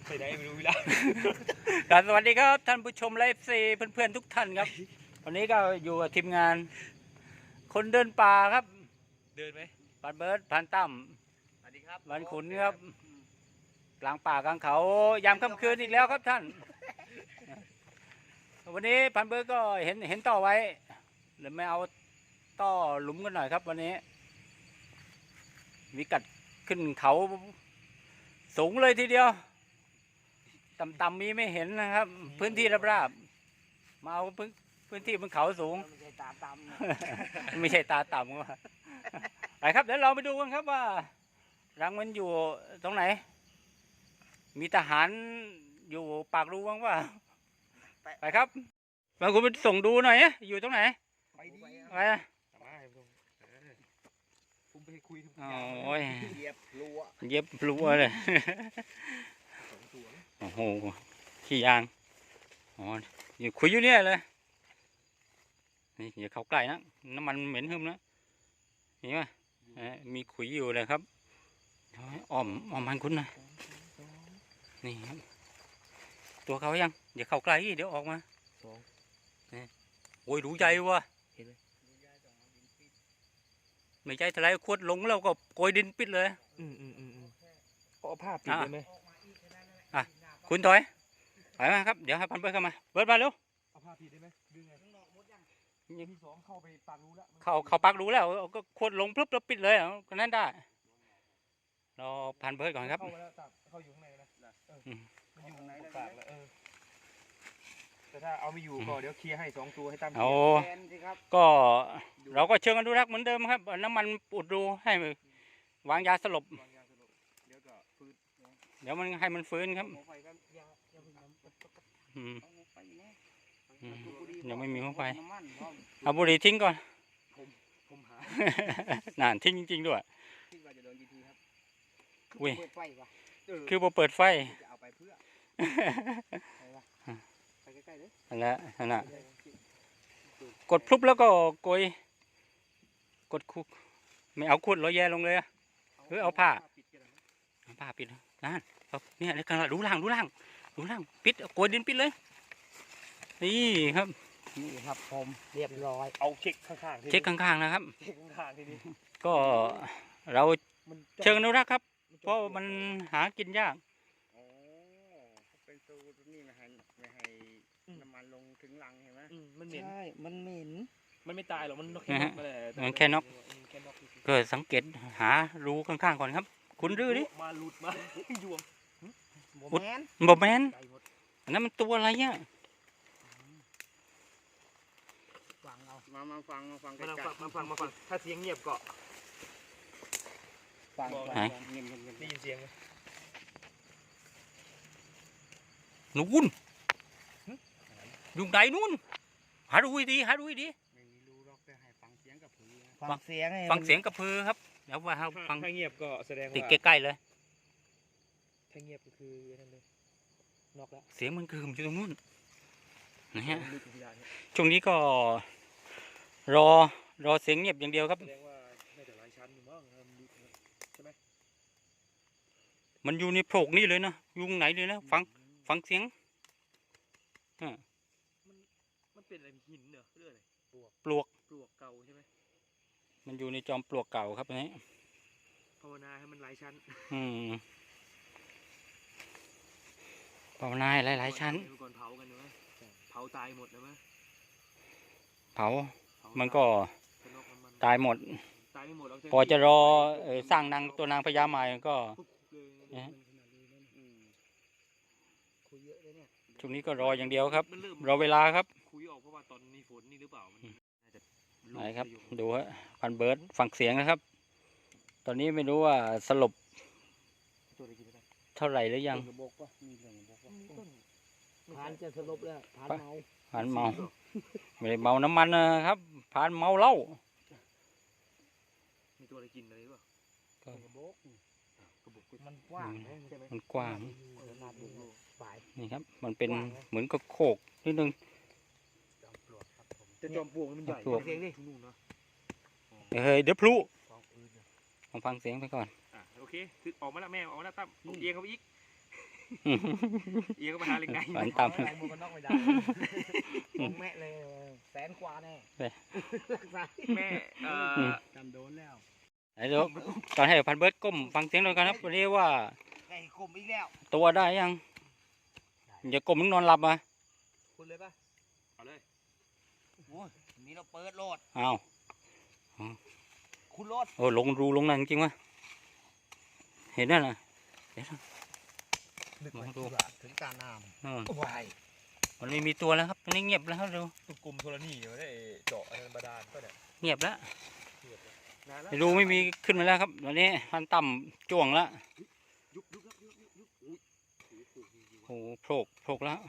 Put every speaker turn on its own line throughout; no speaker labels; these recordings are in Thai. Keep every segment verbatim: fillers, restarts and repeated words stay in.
ไปไหนไม่รู้เวลา
สวัสดีครับท่านผู้ชมไลฟ์ซีเพื่อนๆทุกท่านครับวันนี้ก็อยู่กับทีมงานคนเดินป่าครับ
เดินไหม
ปันเบิร์ดพันตั้ม
สวัสดีครับ
บันขุนครับกลางป่ากลางเขายามค่ำคืนอีกแล้วครับท่านวันนี้พันเบิร์ดก็เห็นเห็นต่อไว้หรือไม่เอาต่อหลุมกันหน่อยครับวันนี้วิกัดขึ้นเขาสูงเลยทีเดียวต่ำๆมีไม่เห็นนะครับพื้นที่ราบๆมาเอาพื้นพื้นที่บนเขาสูงไม่ใช่ตาต่ำไม่ใช่ตาต่ำก็ไปครับเดี๋ยวเราไปดูกันครับว่ารังมันอยู่ตรงไหนมีทหารอยู่ปากรูบ้างว่าไปครับบางคนไปส่งดูหน่อยอยู่ตรงไหน
ไปดิ
ไปอ่ะ
ผมไปคุยทุก
อย่างโอ้ย
เย็บพลัว
เย็บพลัวเลยโอ้โหขี้ยางอ๋ออยู่คุยอยู่เนี่ยเลยนี่อย่าเข้าใกล้นะน้ำมันเหม็นหึมนะเห็นไหมมีขุยอยู่เลยครับอ้อมอ้อมมันคุณนะนี่ครับตัวเขายังอย่าเข้าใกล้เดี๋ยวออกมาโอ้ยดูใจวะไม่ใจทลายขวดลงแล้วก็โกยดินปิดเลย
อืมอืมอืมอืมเอาผ้าปิดได้ไหม
อ่ะคุณถอยถอยมาครับเดี๋ยวให้พันเบิร์ดเข้ามาเบิร์ดมาเร็ว
เอาผ้าปิดได้ไหมดึงไงยังที่สองเข้าไปปากรู้แล้ว
เข้าเข้าปากรู้แล้วก็ขวดลงปุ๊บแล้วปิดเลยก็นั่นได้รอพันเบิร์ดก่อนครับ
เข้าแล้วเข้าอยู่ข้างในนะมันอยู่ในปากแล้วเออแต่ถ้าเอาไม่อยู่ก็เดี๋ยวเคลียร์ให้สองตัวให้ตั้ม
เอาก็เราก็เชิงอนุรักษ์เหมือนเดิมครับน้ำมันอุดรูให้วางยาสลบ
เดี๋ยวก็ฟื้น
เดี๋ยวมันให้มันฟื้นครับยังไม่มีหัวไฟเอาบุหรี่ทิ้งก่อนน่านทิ้งจริงๆด้วยอุ้ยคือพอเปิดไฟนั่นแหละนั่นแหละกดพลุบแล้วก็โกยกดคุกไม่เอาขวดลอยแย่ลงเลยหรือเอาผ้าผ้าปิดนั่นเนี่ยในการดูล่างดูล่างดูล่างปิดโกยดินปิดเลยนี่ครับ
นี่ครับผมเรียบร้อย
เอาเช็คข้างๆ
เช็คข้างๆนะครับ
เช็คข้างๆทีนี้
ก็เราเชิงอนุรักษ์ครับเพราะมันหากินยาก
อ๋อเป็นตัวนี้ไม่ให้ไม่ให้น้ำมันลงถึงรังเห็นไหม
มันเหม็น
ใช่มันเหม็น
มันไม่ตายหรอกมันแค่น็อก
มันแค่น็อกก็สังเกตหารูข้างๆก่อนครับคุณรื้อดิ
มาหลุดมายวง
บแมนบแมนอันนั้นมันตัวอะไรเนี่ย
ฟังเอามามาฟังมาฟัง
มาฟังมาฟังมาฟังถ้าเสียงเงียบก็
ฟัง
ไหน
ได้ยินเสียงไหม
นู่นอยู่ไหนนู่นหาดูดีหาดูดี
ไม่มีรู้หรอกแต่ให้ฟังเสียงกับพือฟังเสียง
ฟังเสียงกับพือครับเดี๋ยวว่าฟัง
ถ้าเงียบก็แสดงว่า
ติดใกล้ๆเลย
ถ้าเงียบก็คือนั่นเลยนอกแล้ว
เสียงมันคือมันอยู่ตรงนู้นนะฮะช่วงนี้ก็รอรอเสียงเงียบอย่างเดียวครับ
แสดงว่าน่าจะหลายชั้นอยู่มั้งใช่ไหม
มันอยู่ในโพรงนี่เลยนะยุงไหนเลยนะฟังฟังเสียง
มันมันเป็นอะไรหินเหรอเรื่องอะไร
ปลวก
ปลวกเก่าใช่ไหม
มันอยู่ในจอมปลวกเก่าครับนี้
ภาวนาให้มันหลายชั้น
อืมภาวนาหลายหลายชั้น
ก่อนเผากันไหมเผาตายหมดเลยไหม
เผามันก็ตายหมด
ตายไม่หมด
พอจะรอสร้างนางตัวนางพญาใหม่ก็ช่วงนี้ก็รออย่างเดียวครับรอเวลาครับ
คุยออกเพราะว่าตอนมีฝนนี่หรือเปล่า
ไหนครับดูฮะพันเบิร์ดฟังเสียงนะครับตอนนี้ไม่รู้ว่าสลบเท่าไหร่หรือยัง
ผ่านจะสลบแล้วผ่านเมา
ผ่านเมาไม่ได้เมาน้ำมันนะครับผ่านเมาเหล้า
มีตัวอะไรกินอะไรบ้าง
มันกว้าง
มันกว้างนี่ครับมันเป็นเหมือนกับโคกนิดนึง
จะจอมปลวกมันใหญ่เสียงดินู่นเนาะ
เฮ้ยเดี๋ยวพลุลองฟังเสียงไปก่อน
อ่ะโอเคคือออกมาแล้วแม่ออกมาแล้วตั้มเอียงเขาไปอีกเอียก็มาหาเล็กไง
ฝันต่ำ
ใส่หมวกกันน็อกไม่ได้ของแม่เลยแสนกว่าแน่
ไป
รักษา
แม่เอ่อ
จำโดนแล้ว
ไหนดูตอนให้พันเบิร์ดก้มฟังเสียงหน่อยกันครับวันนี้ว่า
ไก่คมอีกแล้ว
ตัวได้ยังอย่าก้มมึงนอนหลับมา
คุณเลยป่ะเอาเลย
โอ้ยนี่เราเปิดโหลด
อ้าว
คุณโหลด
โอ้ลงรูลงนั่นจริงวะเห็นนั่นน่ะเดี๋ยวนะ
นึก
มอง
ไม่
ดู
ดูถึงตาน้
อืม
ำวาย
มันไม่มีตัวแล้วครับมันนี่เงียบแล้วครับดู
ตุกกลุ่มโทรนี่มาได้เจาะอันบาดาลก็เนี่ย
เงียบแล้ว
นานแล้ว
ไม่รู้ไม่มีขึ้นมาแล้วครับวันนี้พันต่ำจ้วงแล้ว
ยุบยุบยุบยุบยุบยุบอุ้ย
โอ้โหโผล่โผล่แล้ว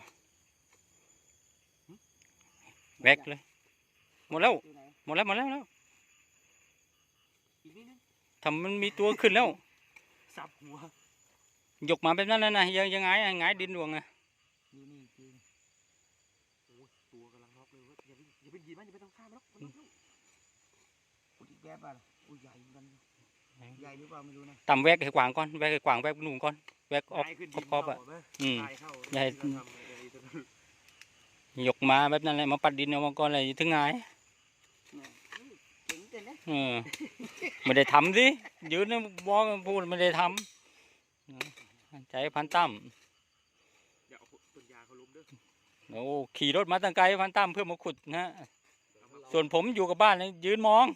แวกเลยหมดแล้ว
อยู่ไหน
หมดแล้วหมดแล้วแล้ว
อีกนิดนึง
ทำมันมีตัวขึ้นแล้ว
สับหัวย
กมาแบบนั้นนะนะยังยังไงอะไงายดินดวงอะ
อยู่นี่จริง
โอ้ยตัวกำลังน็อกเลยเว้ยอย่าไปอย่าไปหยิบมันอย่าไปต้องข้ามมันหรอกมันน็อกแล้ว
อุยอีกแป๊บอ่ะอุ้ยใหญ่เหมือนกันใหญ่หรือเปล่าไม่รู้นะ
ต่ำแวกให้กวางก่อนแวกให้กวางแวกหนุ่มก่อนแวกออก
ตายขึ้น
ขอบๆอะ
ดินเข้าไหม
อืม
ตายเข้า
ใหญ่
ที่เราทำอะไรตัวนั้น
ยกมาแบบนั้นเลยมาปัดดินเอามาก่อนเลยถึงไงาย
เนี่ยเจ๋งจังนะ
เออไม่ได้ทำสิยืนนะบอกพูดไม่ได้ทำใจพันตั้ม
อย่าเอาต้นยาเขาล้มเด้อ
โอ้ขี่รถมาตั้งไกลพันตั้มเพื่อมาขุดนะส่วนผมอยู่กับบ้านเลยยืนมอง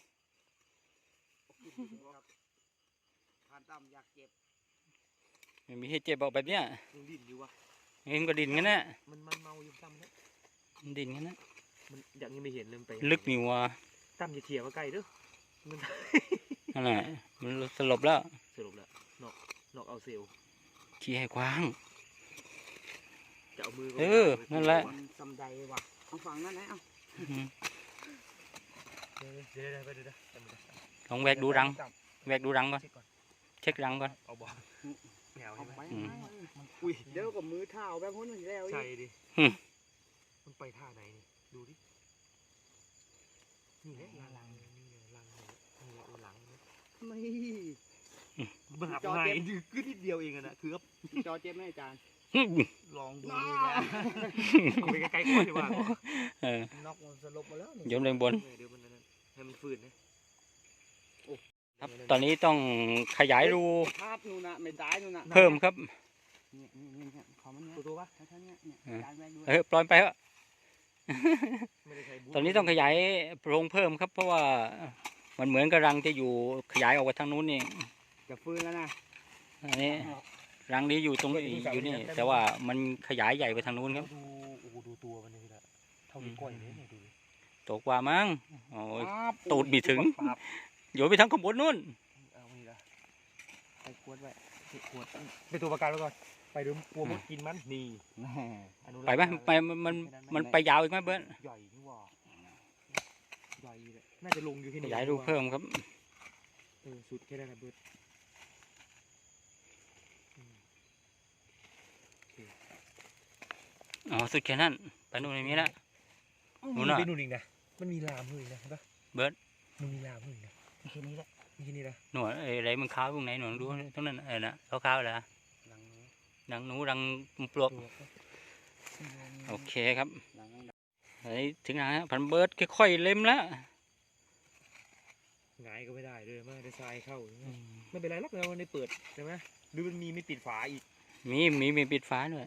ผ่านต่ำอยากเจ็บ
ไม่มีให้เจ็บบอกแบบเนี้ย
ยังดิ้นอยู่วะ
เองก็ดินกันนะ
มันมันเมาอยู่ตั้มเนี่ย
มันดินกันนะ
มันอย่างนี้ไม่เห็นเลยมันไป
ลึกนี่วะ
ตั้มอย่าเขี่ยมาใกล้เด้อมัน
นั่นแหละมันสลบแล้ว
สรุปแล้วนอกนอกเอาเซลล์
ขี้ให้กว้าง
จะเอามือ
เออนั่นแหละ
มันสำใดว่ะเอาฝั่งนั้นนะเอา
อืม
เดี๋ยวเดี๋ยวเดี๋ยวไปเดี๋ยวเดี๋ยวจำไม่ได้
ลองแวกดูรังแวกดูรังก่อน
เช็คก่อน
เช็ครังก่อน
เอาบอลแมว
เอา
ใช่ไหม
ไป
อืม
มันอุ้ยเดี๋ยวกับมือเท้าแบบพ้นมันแล้วอี
ใช่
ก
ดิ
อืม
มันไปท่าไหนนี่ดูดินี่แหละลังนี่ไงลังนี่นี่แหละหลังนี่
ไม่
มันหักง่ายคือนิดเดียวเองอะนะคือก็
จอเจ็บไหมอาจารย์
ลองดู
น้อ
นี่นะเอาไปใกล้ๆก่อนดีกว่า
เออ
น็อกมันสลบมาแล้วนี่
โยมเลยบน
เดี๋ยวมันนั่นให้มันฟื้นนะครับ
ตอนนี้ต้องขยายรู
พาดนู่นน่ะไม่ตายนู่นน่ะ
เพิ่มครับ
เนี่ยนี่นี่เนี่ยขอมันเนี่ย
ตัวตัวปะ
ท่านเนี่ยเนี่ย
เออ
อาจารย์แม่ดู
เออปล่อยไปเถอะ
ไม่ได้ใช้บูท
ตอนนี้ต้องขยายโพรงเพิ่มครับ เพราะว่ามันเหมือนกับรังจะอยู่ขยายออกไปทางนู้นนี่
จะฟื้นแล้วนะ
อันนี้รังนี้อยู่ตรงนี้อยู่นี่ แต่ว่ามันขยายใหญ่ไปทางนู้นครับ
ดูโอ้โหดูตัวมันนี่นะเท่านิ้วก้อยเลยเนี่ยดูดิ
โตกว่ามั้งโอ้ย
ปั๊บ
ตูดบีถึง
ปั๊บ
โยนไปทางขางบวนนู้น
เอานี่ละ
ใส่ขวดไว้
ขวดไปตัวประกันไว้ก่อนไปดูกลัวมดกินมันนี่
แม่
อนุรักษ์
ไปไหมไปมันมันมันไปยาวอีกไหมเบิร์ต
ใหญ่นี่หว่าใหญ่เลยน่าจะลงอยู่ที่
ข
นี่
ยายรูเพิ่มครับ
เออสุดแค่นั้นนะเบิร์ดอืม
อ๋อสุดแค่นั้นไปนู่นไม่มีแล้ว นู่นน่ะ
ไปนู่นอีกนะมันมีลามอยู่อีกนะเห็นปะ
เบิร์ต
มันมีลามอยู่อีกนะ
แค่นี้แหละ
มีแค่นี้นะ
หนวดเอ้ยอะไรมันขาวตรงไหนหนวดดูตรงนั้นเออนะขาวๆเลยนะ
หลังนี้
ดังหนูดังปลวก
ตัว
โอเคครับ
หลังนี้
อันนี้ถึงไหนฮะพันเบิร์ดค่อยๆเล็มแล้ว
หงายก็ไม่ได้ด้วยมันได้ทรายเข้าอย่างเงี้ยไม่เป็นไรหรอกเราได้เปิดใช่ไหมหรือมันมีไม่ปิดฝาอีก
มีมีมีปิดฟ้าด้วย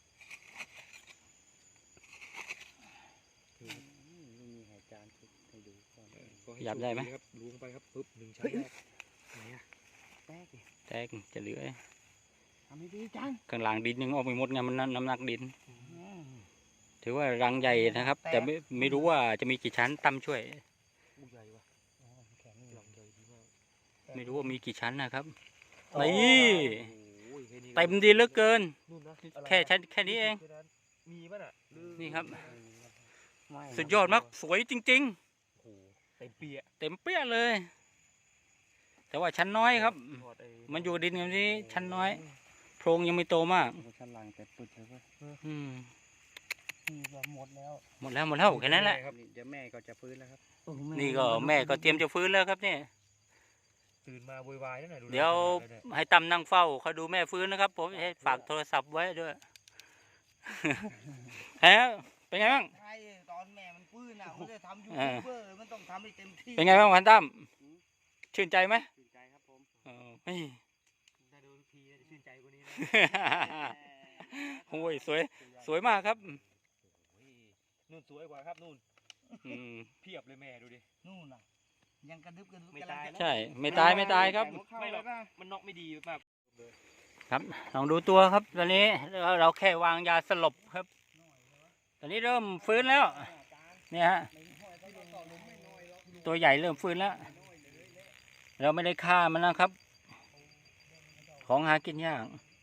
อืมนี่มีให้อาจารย์ให้ดูก่อน
เออก็ให้
หยับได้ไหม
โชคครับล้วงไปครับปึ๊บหนึ่งชั้นแรกไหนอะ
แป๊กดิ
แตกจะเหลือ
ทำให้ดีจัง
ข้างหลังดินยังออกไม่หมดไงมันน้ำหนักดิน
อืม
ถือว่ารังใหญ่นะครับ แต่ไม่ไม่รู้ว่าจะมีกี่ชั้นตั้มช่วย
อู้ใหญ่ว่ะ
อ๋อแข็ง
ห
อยู่
ลังใหญ่ดีมาก
ไม่รู้ว่ามีกี่ชั้นนะครับ
โอ้
นี่
โหแค่นี้ก็
เต็มดีเหลือเกิน
นู่นนะอะไร
แค่ชั้นแค่นี้เอง
มีป่ะน่ะหรือ
นี่ครับ
ไม่
สุดยอดมากสวยจริง
โอ้โหเต็มเปีย
ๆ เต็มเปี้ยเลย แต่ว่าชั้นน้อยครับ
ถอดไอ้
มันอยู่ดินอย่างนี้ชั้นน้อย โพรงยังไม่โตมาก
โอ้ชั้นล่างแต่ปุดเลยเว้ย
อืม
นี่ก็หมดแล้ว
หมดแล้วหมดแล้วแค่นั้นแหละ
นี่เดี๋ยวแม่ก็จะฟื้นแล้วครับ
นี่ก็แม่ก็เตรียมจะฟื้นแล้วครับเนี่ย
ตื่นมาโวยวายนั่นแหละ
เดี๋ยวให้ตำนั่งเฝ้าเขาดูแม่ฟื้นนะครับ ผมให้ฝากโทรศัพท์ไว้ด้วย ฮะเป็นไงบ้าง
ใช่ตอนแม่มันฟื้นอ่ะมันจะทำยูทูบเบอร์มันต้องทำให้เต็มที่
เป็นไงบ้างพันตั้มชื่นใจไหม
ชื่นใจครับผม
เออเฮ้ย
ถ้าดูทุกทีจะชื่นใจกว่านี้นะ
โอ้ยสวยสวยมากครับ
โอ้ยนู่นสวยกว่าครับนู่น
อืม
เพียบเลยแม่ดูดิ
นู่นน่ะยังกระดึบกระดึบ
ไม่ตายนะ
ใช่ไม่ตายไม่ตายครับ
ไม่หรอกมันน็อกไม่ดีมาก
ครับลองดูตัวครับตอนนี้เราเราแค่วางยาสลบครับ ตอนนี้เริ่มฟื้นแล้วเนี่ยฮะตัวใหญ่เริ่มฟื้นแล้ว เราไม่ได้ฆ่ามันนะครับ ของหากินยาก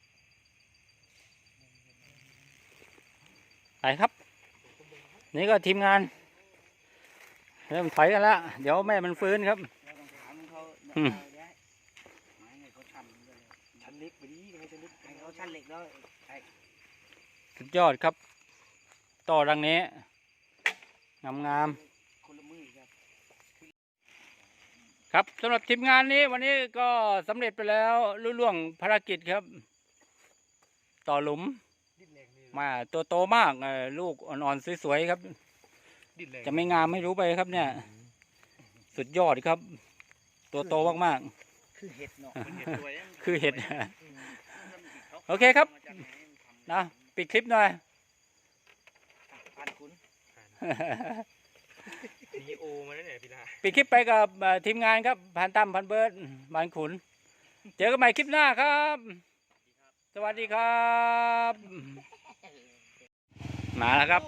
ไปครับ นี่ก็ทีมงาน เริ่มถอยกันแล้วเดี๋ยวแม่มันฟื้นครับ
เราต้องถามเขา
อืม
ได้ไม่ให้เขาชันเลย
ชั้นเล็กไปดิให้ชั้นเล็ก
ให้เขาชันเหล็กแล้วไอ้
สุดยอดครับ ต่อรังนี้งามงาม
คนละมือครับ
ๆครับสำหรับทีมงานนี้วันนี้ก็สำเร็จไปแล้วลุล่วงภารกิจครับ ต่อหลุม
ดิ้นแรงนี่
มาตัวโตมากเอ่อลูกอ่อนๆสวยๆครับ
ดิ้นแรง
จะไม่งามไม่รู้ไปครับเนี่ย สุดยอดครับ ตัวโตมาก
คือเห็ดเนาะ
มันเห็นตัวยัง
ๆ คือเห็ด โอเคครับ นะปิดคลิปหน่อย
ผ่านคุณ
นีโอมาแล้วเนี่ยพี่ลา
ปิดคลิปไปกับเอ่อทีมงานครับพันตั้มพันเบิร์ดพันขุน เจอกันใหม่คลิปหน้าครับ สวัสดีครับ มาแล้วครับ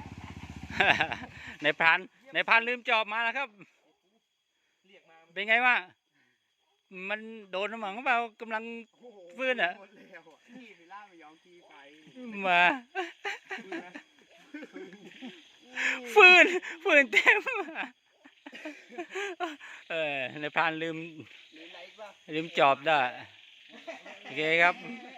ในพรานในพรานลืมจอบมาแล้วครับ
เรียกมา
เป็นไงวะมันโดนน้ำหมังเปล่ากำลัง ฟื้นเหรอ
หมดแล้วอะนี่ไปล่าไปยองกีไป
มาฟื้นฟื้นเต็มเออในพรานลืม
หรืออะไรบ้าง
ลืมจอบได้โอเคครับ
เ